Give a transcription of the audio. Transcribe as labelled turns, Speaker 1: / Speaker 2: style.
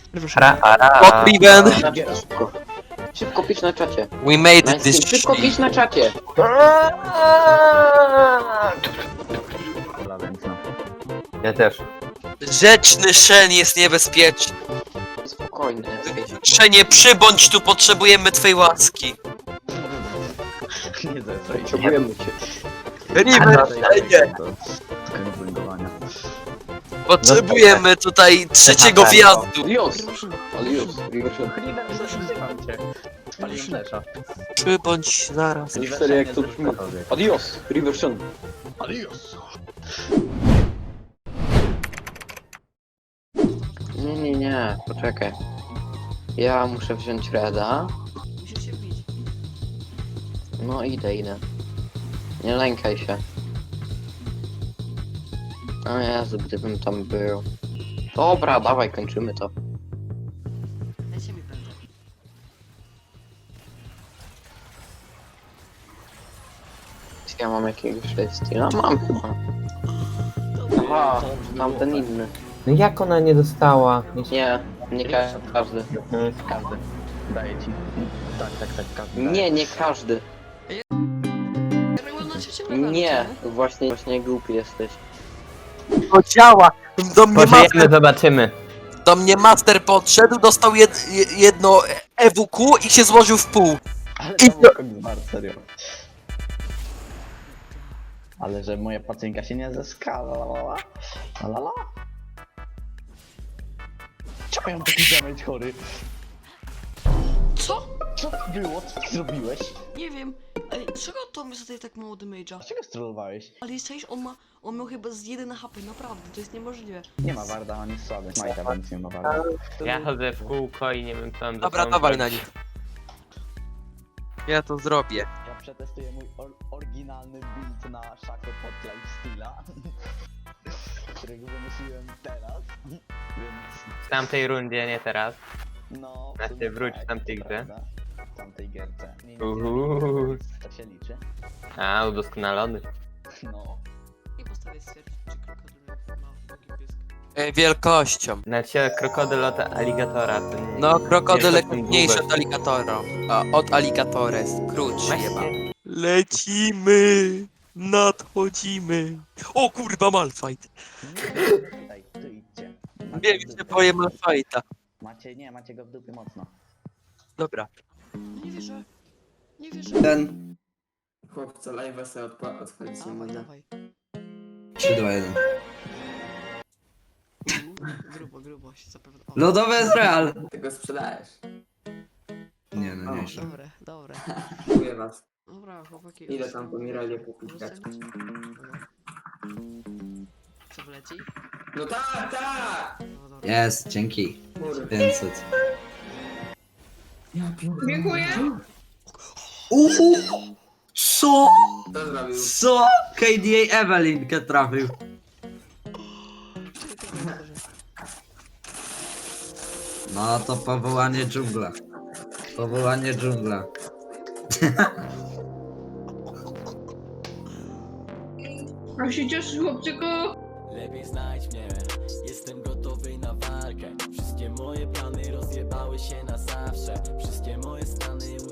Speaker 1: O, Riven!
Speaker 2: Szybko. Szybko pisz na czacie.
Speaker 1: We made
Speaker 2: Nice
Speaker 1: this
Speaker 2: team. Szybko pisz na czacie.
Speaker 3: Ja też.
Speaker 1: Rzeczny Shen jest niebezpieczny.
Speaker 2: Spokojnie.
Speaker 1: Szenie, przybądź tu, potrzebujemy twej łaski.
Speaker 4: Nie zesraj.
Speaker 2: Potrzebujemy cię.
Speaker 1: Riven, Szenie! Potrzebujemy tutaj trzeciego wjazdu.
Speaker 2: Alios. Alios. Rivershot.
Speaker 4: Spaliłem flesza.
Speaker 1: Przybądź zaraz.
Speaker 2: Serio, jak to brzmi. Adios. Rivershot.
Speaker 4: Adios!
Speaker 2: Nie, poczekaj. Ja muszę wziąć Reda.
Speaker 5: Musisz się wbić.
Speaker 2: No idę. Nie lękaj się. O Jezu, gdybym tam był. Dobra, dawaj, kończymy to.
Speaker 5: Ja ciebie będę.
Speaker 2: Czy ja mam jakiegoś styla? Mam chyba. Aha, tamten inny.
Speaker 3: No jak ona nie dostała?
Speaker 2: Nie każdy.
Speaker 4: Każdy. Daję ci. Tak, każdy.
Speaker 2: Nie każdy.
Speaker 5: Na trzecim levelu,
Speaker 2: Nie,
Speaker 5: co
Speaker 2: właśnie głupi jesteś.
Speaker 1: To działa.
Speaker 3: Pożyjemy, zobaczymy.
Speaker 1: Do mnie master podszedł, dostał jedno EWQ i się złożył w pół.
Speaker 4: Ale
Speaker 1: I
Speaker 4: to był koksbar, serio. Ale że moja pacjentka się nie zeskala. La. Czemu ja mam taki damage chory?
Speaker 5: Co?
Speaker 4: Co to było? Co ty zrobiłeś?
Speaker 5: Nie wiem. Ej, czego to mi zadaje tak mało damage'a?
Speaker 4: Dlaczego strollowałeś?
Speaker 5: Ale jesteś, on miał chyba z 1 HP, naprawdę, to jest niemożliwe.
Speaker 4: Nie ma Warda, on jest słaby. Majta, więc nie ma Warda.
Speaker 3: Ja chodzę w kółko i nie wiem co mam
Speaker 1: Dobra, dawaj na nich. Ja to zrobię.
Speaker 4: Ja przetestuję mój oryginalny build na Shaco pod Lifesteala, którego wymyśliłem teraz, więc
Speaker 3: W tamtej rundzie, nie teraz.
Speaker 4: no...
Speaker 3: Znaczy,
Speaker 4: w sumie
Speaker 3: wróć
Speaker 4: tak,
Speaker 3: w tamtej
Speaker 4: to
Speaker 3: grze.
Speaker 4: prawda. W tamtej gierce.
Speaker 3: Uhu.
Speaker 4: To się liczy.
Speaker 3: A, udoskonalony.
Speaker 4: No.
Speaker 5: I postawię stwierdzić, czy krokodyl ma nogi pysk.
Speaker 1: Wielkością.
Speaker 3: Znaczy, krokodyl od aligatora. To nie,
Speaker 1: No, krokodyle
Speaker 3: nie
Speaker 1: mniejsze od
Speaker 3: długość.
Speaker 1: aligatora. A od aligatores. Krótszy chyba.
Speaker 3: Właśnie.
Speaker 1: Lecimy! Nadchodzimy! O kurwa, Malfight!
Speaker 4: Tutaj, tu idźcie.
Speaker 1: Wiem, że boję Malfighta.
Speaker 4: Macie go w dupie mocno.
Speaker 1: Dobra.
Speaker 5: No nie wierzę. Nie wierzę.
Speaker 6: Ten chłopca live'a sobie odpalić nie
Speaker 5: Dawaj,
Speaker 6: mogę.
Speaker 5: dawaj.
Speaker 6: 3, 2, 1.
Speaker 5: Grubo się zapewne. O,
Speaker 6: Lodowe jest real! Ty go sprzedajesz. Nie no, nie jeszcze.
Speaker 5: Dobre.
Speaker 6: Dziękuję was.
Speaker 5: Dobra, chłopaki.
Speaker 6: Idę tam po Miralie kupić
Speaker 5: Zostań-
Speaker 6: kaczkę.
Speaker 5: Dobra. Co wleci?
Speaker 6: No tak!
Speaker 5: No dobra.
Speaker 6: Jest, dzięki. 500.
Speaker 7: Dziękuję.
Speaker 6: Co? Co? KDA Evelynkę trafił. No to powołanie dżungla. Powołanie dżungla.
Speaker 7: A się cieszysz, chłopczyku?
Speaker 8: Lepiej znajdź mnie, jestem gotowy na walkę. Wszystkie moje plany rozjebały się na zawsze. Wszystkie moje stany